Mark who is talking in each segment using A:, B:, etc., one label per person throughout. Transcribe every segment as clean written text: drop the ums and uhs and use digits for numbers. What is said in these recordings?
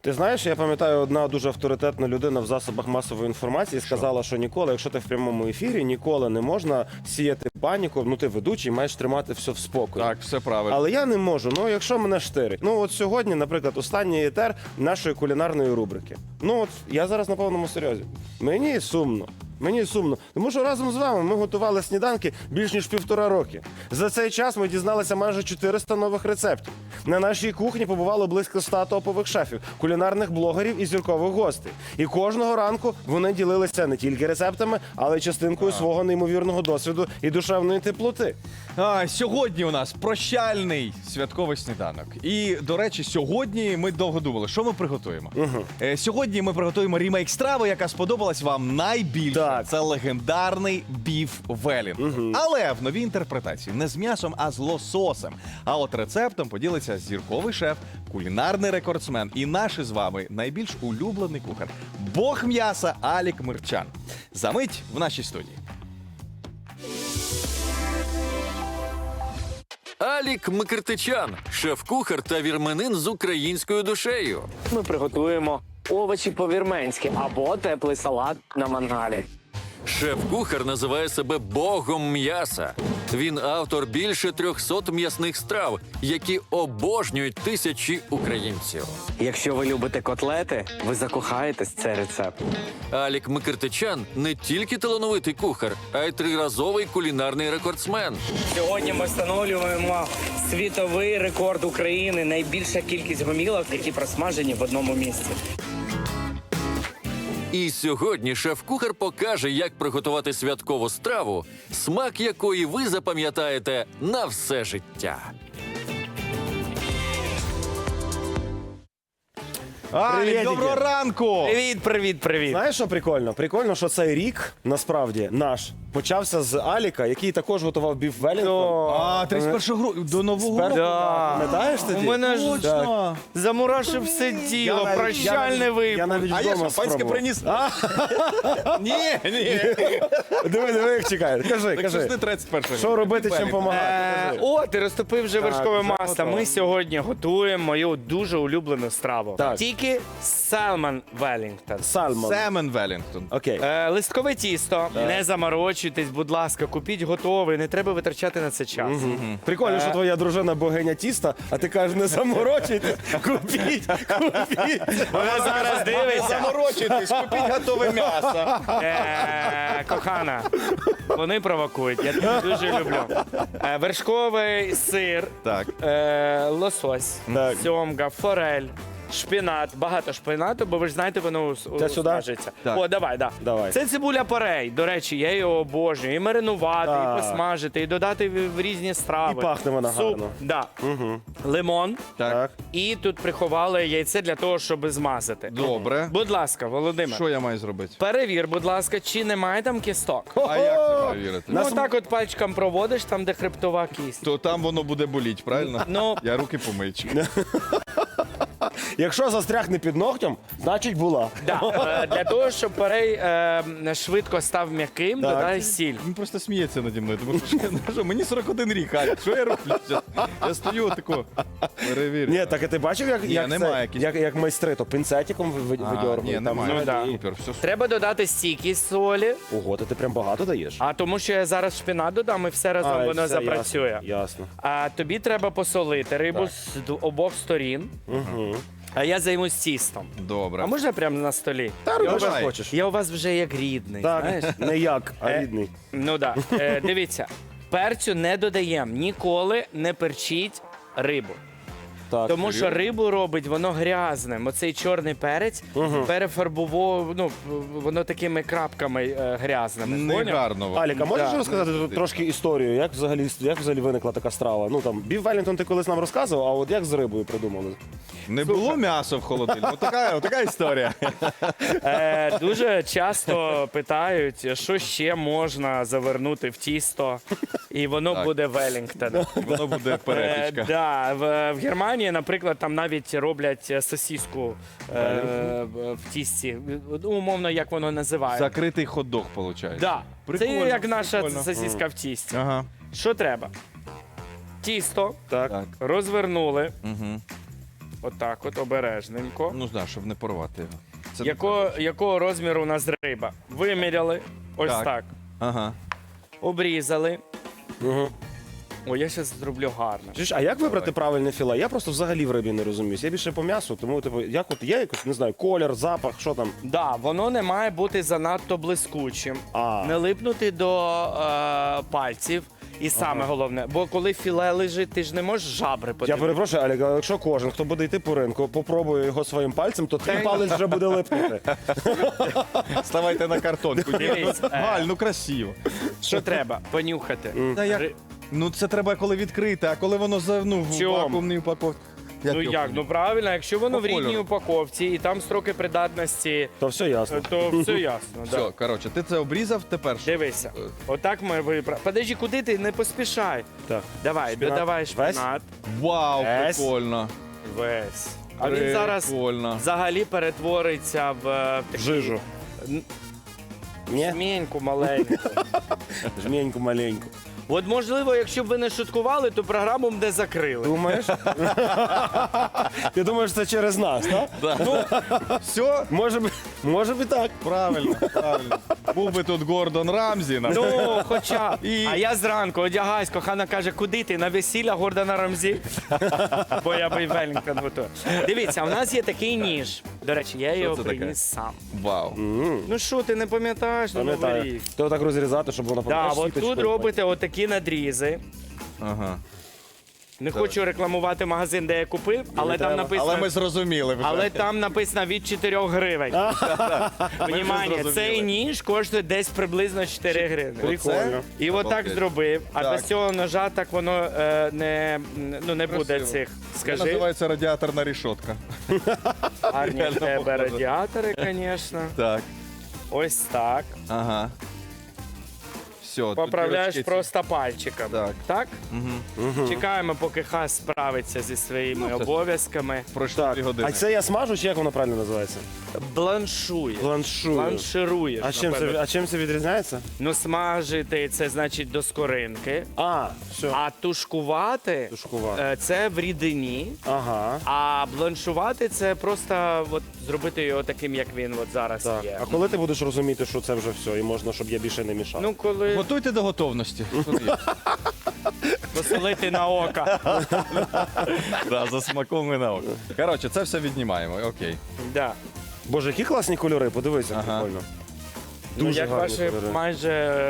A: Ти знаєш, я пам'ятаю, одна дуже авторитетна людина в засобах масової інформації сказала, що ніколи, якщо ти в прямому ефірі, ніколи не можна сіяти паніку. Ну, ти ведучий, маєш тримати все в спокої.
B: Так, все правильно.
A: Але я не можу, ну якщо мене штирить. Ну от сьогодні, наприклад, останній етер нашої кулінарної рубрики. Ну от я зараз на повному серйозі. Мені сумно. Мені сумно, тому що разом з вами ми готували сніданки більш ніж 1,5 роки. За цей час ми дізналися майже 400 нових рецептів. На нашій кухні побувало близько 100 топових шефів, кулінарних блогерів і зіркових гостей. І кожного ранку вони ділилися не тільки рецептами, але й частинкою свого неймовірного досвіду і душевної теплоти.
B: Сьогодні у нас прощальний святковий сніданок. І, до речі, сьогодні ми довго думали, що ми приготуємо. Сьогодні ми приготуємо ремейк страви, яка сподобалась вам найбільше.
A: Так.
B: Це легендарний біф Велінгтон. Але в новій інтерпретації не з м'ясом, а з лососем. А от рецептом поділиться зірковий шеф, кулінарний рекордсмен і наш із вами найбільш улюблений кухар – бог м'яса Алік Мирчан. Замить в нашій студії.
C: Алік Микртичан – шеф-кухар та вірменин з українською душею.
D: Ми приготуємо овочі по-вірменськи або теплий салат на мангалі.
C: Шеф-кухар називає себе богом м'яса. Він автор більше 300 м'ясних страв, які обожнюють тисячі українців.
D: Якщо ви любите котлети, ви закохаєтесь в цей рецепт.
C: Алік Микртичан – не тільки талановитий кухар, а й триразовий кулінарний рекордсмен.
E: Сьогодні ми встановлюємо світовий рекорд України. Найбільша кількість гомілок, які просмажені в одному місці.
C: І сьогодні шеф-кухар покаже, як приготувати святкову страву, смак якої ви запам'ятаєте на все життя.
A: Привіт,
B: Алік, доброго
A: Ігор.
B: ранку!
E: Привіт.
A: Знаєш, що прикольно? Прикольно, що цей рік, насправді, наш, почався з Аліка, який також готував біф Велінгтон.
B: 31 грудня, до Нового року.
A: Пам'ятаєш тоді?
E: У мене ж
B: Точно.
E: замурашив все діло, прощальний
A: Я
E: випуск.
A: навіть
B: А я
A: вдома
B: шампанське
A: спробував.
B: приніс. Ні.
A: Диви, як чекає. Кажи,
B: Так що ж
A: кажи.
B: не 31
A: Що робити, чим допомагати?
E: О, ти розтопив вже вершкове
A: вже
E: масло.
A: готово.
E: Ми сьогодні готуємо мою дуже улюблену страву.
A: Так.
E: Тільки Salmon Wellington.
A: Сальмон.
B: Семен Велінгтон.
A: Окей.
E: Листкове тісто, не заморочуйтесь, будь ласка, купіть готовий, не треба витрачати на це час.
A: Прикольно, що твоя дружина богиня тіста, а ти кажеш, не заморочуйтесь, купіть.
E: Вона зараз дивиться.
B: Заморочуйтесь, купіть готове м'ясо.
E: Кохана, вони провокують, я тебе дуже люблю. Вершковий сир,
B: Так.
E: лосось,
A: Так.
E: сьомга, форель, шпинат, багато шпинату, бо ви ж знаєте, воно
A: Це сюди?
E: смажиться.
B: Так.
E: О, давай.
A: Давай.
E: Це цибуля порей. До речі, я її обожнюю. І маринувати,
A: Так.
E: і посмажити, і додати в різні страви.
A: І пахне вона гарно.
E: Да. Лимон.
A: Так.
E: І тут приховали яйце для того, щоб змазати.
B: Добре.
E: Будь ласка, Володимир.
B: Що я маю зробити?
E: Перевір, будь ласка, чи немає там кісток.
B: А як це перевірити?
E: Ну, так от пальчиком проводиш, там, де хребтова кість.
B: То там воно буде боліть, правильно?
E: Ну.
B: Я руки помию.
A: Якщо застрягне під ногтем, значить була.
E: Да. Для того, щоб перей швидко став м'яким,
A: Так.
E: додай сіль.
B: Він просто сміється наді мною, тому що мені 41 рік, Алік, що я роблю? Я стою отако, перевірю.
A: Ні, так і ти бачив, як
B: немає
A: як майстри, то пінцетиком видьоргують.
B: Ні,
A: там,
B: немає.
E: Ну, да.
B: Супер, все супер.
E: Треба додати стійкість солі,
A: Ого, то ти прям багато даєш.
E: а тому що я зараз шпинат додам і все разом
A: Ай,
E: воно
A: все,
E: запрацює.
A: Ясно.
E: А тобі треба посолити рибу з обох сторін. А я займусь тістом.
B: Добре.
E: А можна прямо на столі?
A: Та роби, що
B: Давай.
A: хочеш.
E: Я у вас вже як рідний. Знаєш?
A: Так, не як, а рідний.
E: Ну так. Дивіться, перцю не додаємо. Ніколи не перчіть рибу.
A: Так.
E: Тому що рибу робить воно грязним. Оцей чорний перець перефарбував, ну, воно такими крапками грязними.
B: Не
E: Поняв?
B: гарно.
A: Аліка, можеш
E: Да.
A: розказати тут трошки історію, як взагалі виникла така страва? Ну там біф Велінгтон ти колись нам розказував, а от як з рибою придумали?
B: Не було м'яса в холодильнику. Така історія.
E: Дуже часто питають, що ще можна завернути в тісто, і воно
B: Так.
E: буде Велінгтон.
B: Воно буде перепічка.
E: Да, в Германії, наприклад, там навіть роблять сосиску в тісті. Ну, умовно, як воно називається.
B: Закритий хот-дог, виходить.
E: Да. Це
B: Прикольно,
E: як наша
B: прикольно.
E: сосиска в тісті.
B: Ага.
E: Що треба? Тісто
A: Так.
B: Так.
E: розвернули, Отак от, обережненько.
B: Ну, знаю, щоб не порвати його. Це
E: Якого розміру у нас риба? Виміряли. Ось
B: Так.
E: так.
B: Ага.
E: Обрізали.
A: Угу.
E: О, я зараз зроблю гарно.
A: А як вибрати правильне філе? Я просто взагалі в рибі не розуміюсь. Я більше по м'ясу, тому типу, як от є якось, не знаю, колір, запах, що там.
E: Да, воно не має бути занадто блискучим,
A: А.
E: не липнути до пальців. І саме головне, бо коли філе лежить, ти ж не можеш жабри
A: Я
E: подивитися.
A: перепрошую, Алік, але якщо кожен, хто буде йти по ринку, попробує його своїм пальцем, то твій палець вже буде липнути.
B: Ставайте на картонку.
E: Дивись,
B: Галь, ну красиво.
E: Що треба? Понюхати.
B: Та як?
E: Ри-
B: Ну це треба коли відкрити, а коли воно в
E: Чому?
B: вакуумній упаковці.
E: Ну
B: його
E: як? Ну правильно, якщо воно
B: По
E: в рідній
B: кольору.
E: упаковці і там строки придатності,
A: То все ясно.
E: то все ясно.
B: Все,
E: Да.
B: коротше, ти це обрізав, тепер що?
E: Дивися, отак ми вибрали. Подожди, куди ти? Не поспішай.
A: Так.
E: Давай,
A: Шпинат.
E: додавай
A: Весь?
E: шпинат.
B: Вау,
E: Весь.
B: прикольно.
E: Весь. А він зараз
B: Прикольно.
E: взагалі перетвориться в
A: В жижу. Ні?
E: жменьку маленьку.
A: Жменьку маленьку.
E: От можливо, якщо б ви не шуткували, то програму б не закрили.
A: Думаєш? Ти думаєш, це через нас, так?
B: Все,
A: Може б і так.
B: правильно, правильно. Був би тут Гордон Рамзі.
E: Ну, хоча.
B: І-
E: А я зранку одягаюсь, кохана каже, куди ти? На весілля Гордона Рамзі? Бо я би Велінгтон готую. Дивіться, у нас є такий ніж. До речі, я його
B: це таке?
E: приніс сам.
B: Вау.
E: Ну що, ти не пам'ятаєш на Новий
A: Пам'ятаю.
E: рік?
A: То так розрізати, щоб воно
E: Да,
A: пам'ятаєш,
E: от
A: сіточкою.
E: тут робите отакі надрізи.
B: Ага.
E: Не хочу рекламувати магазин, де я купив, але там
A: треба.
E: написано.
B: Але ми зрозуміли вже.
E: Але там написано від 4 гривень. Внимання,
B: зрозуміли.
E: цей ніж коштує десь приблизно 4 гривні.
A: Прикольно.
E: І отак
B: Обалдеть.
E: зробив, а
B: Так.
E: без цього ножа так воно не буде
B: Красиво.
E: цих.
B: Це
E: Скажи,
B: називається радіаторна рішотка.
E: гарні в
B: реально
E: тебе
B: похоже.
E: радіатори, звісно.
B: Так.
E: Ось так.
B: Ага. Все, тут
E: Поправляєш
B: дірочки ці.
E: просто пальчиком.
B: Так.
E: Так? Чекаємо, поки хас справиться зі своїми
B: Ну, це-
E: обов'язками.
B: Пройшло 2 години.
A: А це я смажу, чи як воно правильно називається?
E: Бланшує.
A: Бланшую.
E: Бланшируєш. напевно.
A: А чим це відрізняється?
E: Ну, смажити це значить до скоринки.
A: А, все.
E: А тушкувати,
A: Тушкувати.
E: це в рідині.
A: Ага.
E: А бланшувати це просто от, зробити його таким, як він от зараз
A: Так.
E: є.
A: А коли ти будеш розуміти, що це вже все, і можна, щоб я більше не мішав?
E: Ну, коли
B: Готуйте до готовності.
E: посолити на око.
B: Да, за смаком і на око. Коротше, це все віднімаємо. Окей.
E: Да.
A: Боже, які класні кольори, подивися,
B: Ага.
A: прикольно.
E: Ну,
A: Дуже
E: як
A: гарні
E: ваші
A: кольори.
E: майже.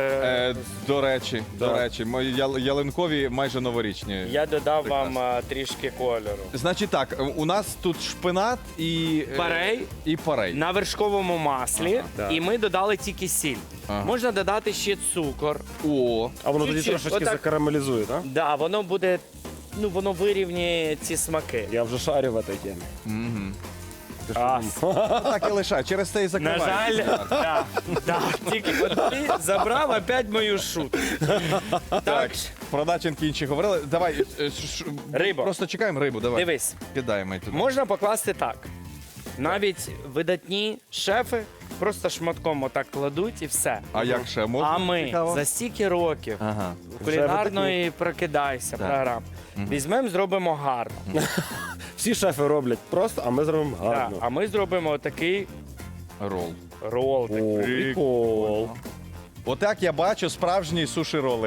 B: До речі,
A: Да.
B: мої ялинкові майже новорічні.
E: Я додав вам
B: Прекрасно.
E: трішки кольору.
B: Значить так, у нас тут шпинат і
E: Парей.
B: І парей.
E: На вершковому маслі,
B: Ага,
A: так.
E: і ми додали тільки сіль.
B: Ага.
E: Можна додати ще цукор.
B: О,
A: А воно тоді
E: Чуть-чуть,
A: трошечки
E: отак.
A: закарамелізує, так?
E: Да, воно буде, ну воно вирівнює ці смаки.
A: Я вже шарю в цій темі.
B: угу.
A: Ти що
E: А,
A: думав?
B: Так і лишай, через це і
E: на
B: закривай.
E: жаль, да, тільки от ти забрав опять мою шутку. Так,
B: Про начинки інші говорили. Давай,
E: Риба.
B: Просто чекаємо рибу, давай.
E: дивись,
B: Кидаємо її туди.
E: можна покласти так. Навіть видатні шефи просто шматком отак кладуть і все.
B: А як ще? Можна?
E: А ми
B: Цікаво.
E: за стільки років
B: Ага.
E: кулінарної прокидайся програм. Візьмемо, зробимо гарно.
A: Всі шефи роблять просто, а ми зробимо
E: Да,
A: гарно.
E: а ми зробимо отакий
B: Рол.
E: рол.
A: О,
E: такий.
A: прикол.
B: Отак я бачу справжні суші-роли.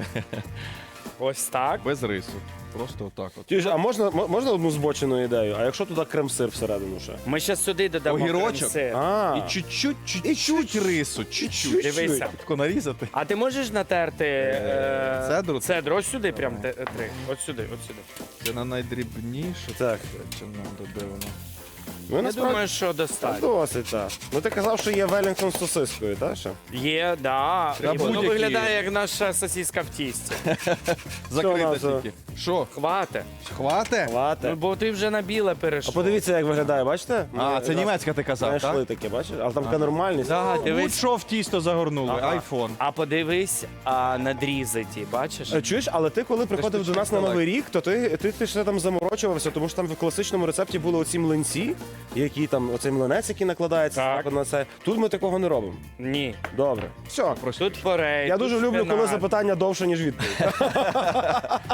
E: Ось так.
B: Без рису. Просто отак от.
A: Чуєш, а можна одну збочену ідею? А якщо туди крем-сир всередину ще?
E: Ми ще сюди додамо
B: Огірочок?
E: крем-сир.
A: А,
B: І чуть-чуть рису. Чуть-чуть.
E: Дивися.
B: Тако нарізати.
E: А ти можеш натерти
B: цедру?
E: Цедру. Ось сюди, прям три. От сюди, от сюди.
B: Це на найдрібніше.
A: Так.
B: Чи надо, де воно?
A: ну,
E: Я
A: насправді,
E: думаю, що достатньо.
A: досить, так. Ну ти казав, що є Велінгтон з сосискою, так ще?
E: Є, да. І воно
B: будь-які.
E: виглядає як наша сосиска в тісті.
B: Закрита
A: нас,
B: тільки. Що?
E: Хвате.
B: Хвате?
E: Ну,
A: Лате.
E: бо ти вже на біле
A: А
E: перейшов.
A: подивіться, як виглядає, бачите?
B: А, це німецька ти казав,
A: Знайшли
B: так?
A: таке, бачиш? Але там така нормальність.
E: Да, дивись.
B: Будь-що в тісто загорнули.
E: Ага.
B: Айфон.
E: А подивись, надрізи ті, бачиш?
A: Чуєш, але ти коли приходив
B: ж
A: до нас на
B: інтелект.
A: Новий рік, то ти ще там заморочувався, тому що там в класичному рецепті були оці млинці, які там, оцей млинець, який накладається
E: Так.
A: так. на це. Тут ми такого не робимо.
E: Ні.
A: Добре. Все.
E: Тут порей.
A: Я
E: тут
A: дуже люблю, коли
E: шпинат.
A: запитання довше, ніж відповідь.
B: Так,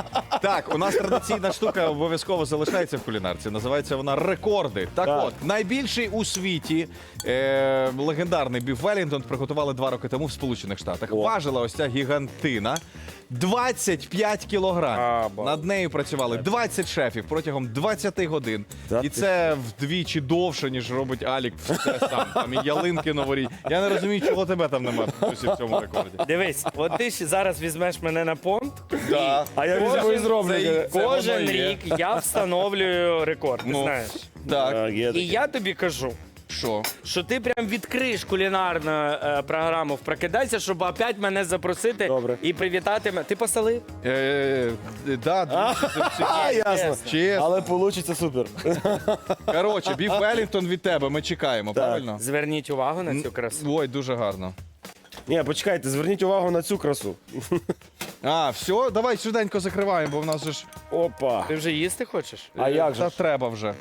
B: Так, у нас традиційна штука обов'язково залишається в кулінарці. Називається вона рекорди. Так,
A: Так.
B: от, найбільший у світі легендарний біф Велінгтон приготували 2 роки тому в Сполучених Штатах.
A: О.
B: Важила ось ця гігантина 25 кілограмів.
E: Або.
B: Над нею працювали 20 шефів протягом 20 годин.
A: Та
B: І
A: ти
B: це вдвічі довше, ніж робить Алік все сам. Там і ялинки новорічні. Я не розумію, чого тебе там немає досі в цьому рекорді.
E: Дивись, от ти ж зараз візьмеш мене на понт.
B: Да.
A: А я візьму і зроблю.
B: це
E: Кожен
B: воно є.
E: рік я встановлюю рекорд, ти
B: Ну,
E: знаєш.
B: Так,
A: Так, є
E: І
A: таке.
E: я тобі кажу,
B: що?
E: що ти прям відкриєш кулінарну програму в «Прокидайся», щоб опять мене запросити
A: Добре.
E: і привітати мене. Ти посолив?
B: Да,
A: А, ясно.
B: Чесно.
A: Але вийде супер.
B: Коротше, біф Велінгтон від тебе, ми чекаємо, правильно?
E: Зверніть увагу на цю красу.
B: Ой, дуже гарно.
A: Ні, почекайте, зверніть увагу на цю красу.
B: А, все, давай швиденько закриваємо, бо в нас же ж
A: Опа.
E: Ти вже їсти хочеш?
A: А як же
B: та
A: ж?
B: треба вже.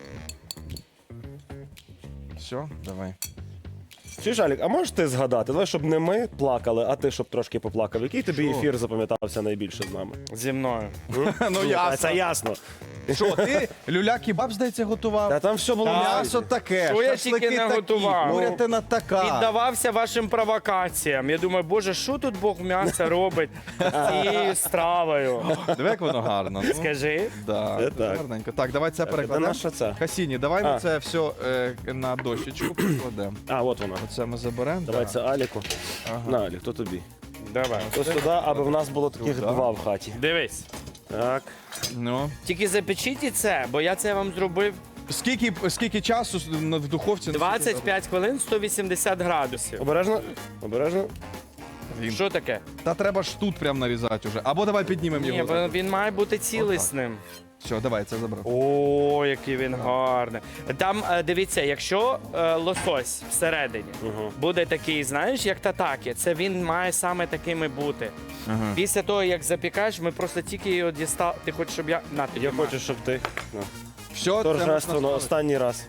B: Все, давай.
A: Чуєш, Алік, а можеш ти згадати? Давай, щоб не ми плакали, а ти щоб трошки поплакав. Який тобі ефір запам'ятався найбільше з нами?
E: Зі мною.
B: Ну
A: А це ясно.
B: Що, ти люля-кебаб, здається, готував?
A: Та там все було
B: М'ясо таке,
E: Що я
B: шашлики
E: тільки не
B: такі,
E: готував?
B: курятина така.
E: Піддавався вашим провокаціям. Я думаю, боже, що тут Бог м'яса робить з цією стравою?
B: Диви, як воно гарно. Ну,
E: Скажи.
B: да,
A: Це так.
B: гарненько. Так, давай це
A: Це
B: перекладемо.
A: наша це.
B: Хасіні, давай ми
A: А.
B: це все на дощечку покладемо.
A: А, от вона.
B: Оце ми заберемо.
A: Давай
B: да.
A: це Аліку. На, Алік, то тобі.
E: Давай.
A: То сюди, аби в нас було таких
B: Сюди.
A: два в хаті.
E: Дивись.
A: Так.
B: Ну.
E: Тільки запечіть і це, бо я це вам зробив
B: Скільки часу в духовці?
E: 25 хвилин, 180 градусів.
A: Обережно. Обережно.
E: Що таке?
B: Та треба ж тут прям нарізати вже. Або давай піднімемо
E: Ні,
B: його.
E: він має бути цілісним.
B: Все, давай, це забрав.
E: О, який він гарний. Там, дивіться, якщо лосось всередині буде такий, знаєш, як татакі, це він має саме такими бути. Після того, як запікаєш, ми просто тільки його дістали. Ти хочеш, щоб я. На, тобі,
A: Я
E: Ма.
A: хочу, щоб ти. Ну.
B: Все, це
A: Торжественно,
B: можна
A: останній раз.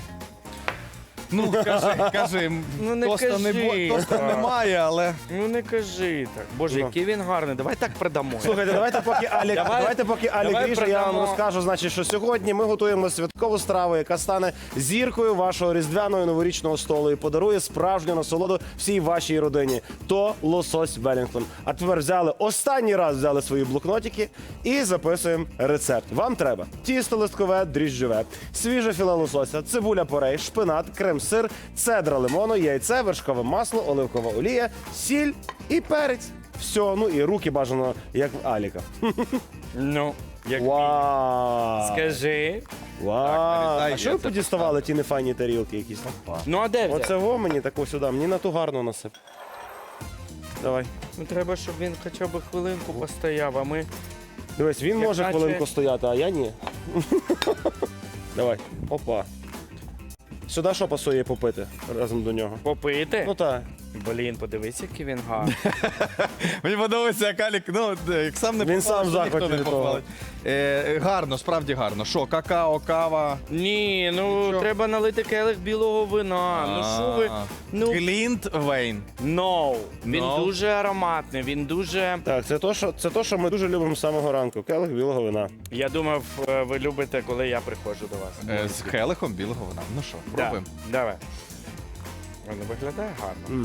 B: Ну, кажи,
E: Ну, не
B: тоста,
E: кажи
B: тоста
E: так.
B: немає, але...
E: Ну не кажи так. Боже,
A: Ну.
E: який він гарний. Давай так продамо.
A: Слухайте, давайте поки Алік,
E: Давай
A: ріже, я вам
E: продамо.
A: розкажу, значить, що сьогодні ми готуємо святкову страву, яка стане зіркою вашого різдвяного і новорічного столу і подарує справжню насолоду всій вашій родині. То лосось Велінгтон. А тепер останній раз взяли свої блокнотики і записуємо рецепт. Вам треба тісто листкове, дріжджове, свіже філе лосося, цибуля порей, шпинат, крем-сир, цедра лимону, яйце, вершкове масло, оливкова олія, сіль і перець. Все, ну і руки бажано, як в Аліка.
E: Ну, як
A: Вау!
E: скажи.
A: Вау!
B: нарізай,
A: А що
B: я
A: ви
B: це
A: подіставали ті нефайні тарілки якісь?
E: Ну а де взяти?
A: Оце во мені таку сюди, мені на ту гарну насип. Давай.
E: Ну треба, щоб він хоча б хвилинку постояв, а ми.
A: Дивись, він
E: Як
A: може
E: наче-
A: хвилинку стояти, а я ні. Давай. Опа. Сюди що пасує попити разом до нього?
E: Попити?
A: Ну так.
E: Блін, подивись, який він гарний.
B: Мені подобається, як Алік, ну, як сам не
A: Він сам в
B: то ніхто
A: захваті
B: не
A: від того.
B: похвалить. Гарно, справді гарно. Що, какао, кава?
E: Ні, ну
B: Що?
E: треба налити келих білого вина. Ну що ви? Ну
B: Глінтвейн.
E: no. Він
B: No.
E: дуже ароматний, він дуже.
A: Так, це то, що ми дуже любимо з самого ранку. Келих білого вина.
E: Я думав, ви любите, коли я приходжу до вас.
B: З келихом білого вина. Ну що,
E: Да,
B: пробуємо.
E: давай. Воно виглядає гарно.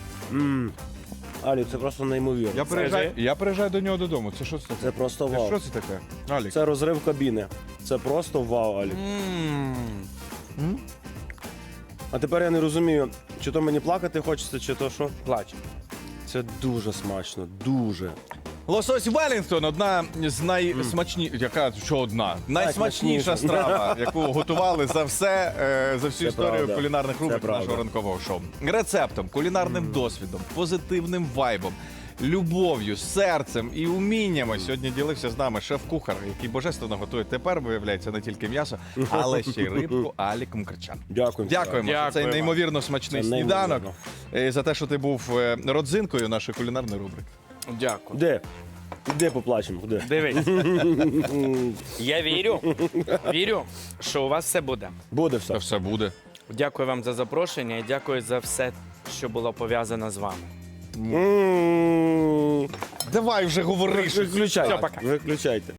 A: Алік, це просто неймовірно.
B: Я приїжджаю до нього додому. Це що це таке?
A: Це просто вау.
B: Що це таке? Алік.
A: Це розрив кабіни. Це просто вау, Алік. А тепер я не розумію, чи то мені плакати хочеться, чи то що.
E: Плач.
A: Це дуже смачно, дуже.
B: Лосось Велінгтон одна з найсмачніших, яка що одна? Найсмачніша страва, яку готували за всю
A: Це
B: історію
A: правда.
B: кулінарних
A: Це
B: рубрик
A: правда.
B: нашого ранкового шоу. Рецептом, кулінарним досвідом, позитивним вайбом, любов'ю, серцем і уміннями сьогодні ділився з нами шеф-кухар, який божественно готує тепер, виявляється, не тільки м'ясо, але ще й рибку Алік Мкрчан.
A: Дякую.
B: Дякуємо за цей
E: Дякуємо.
B: неймовірно смачний
A: Це
B: сніданок,
A: неймовірно.
B: за те, що ти був родзинкою нашої кулінарної рубрики.
E: Дякую.
A: Де поплачемо? Де?
E: Дивись. Я вірю, що у вас все буде.
A: Буде
B: Та
A: все.
B: все буде.
E: Дякую вам за запрошення і дякую за все, що було пов'язано з вами.
A: М.
B: Давай вже говориш.
A: Виключайте.
E: Все, пока.
A: Виключайте.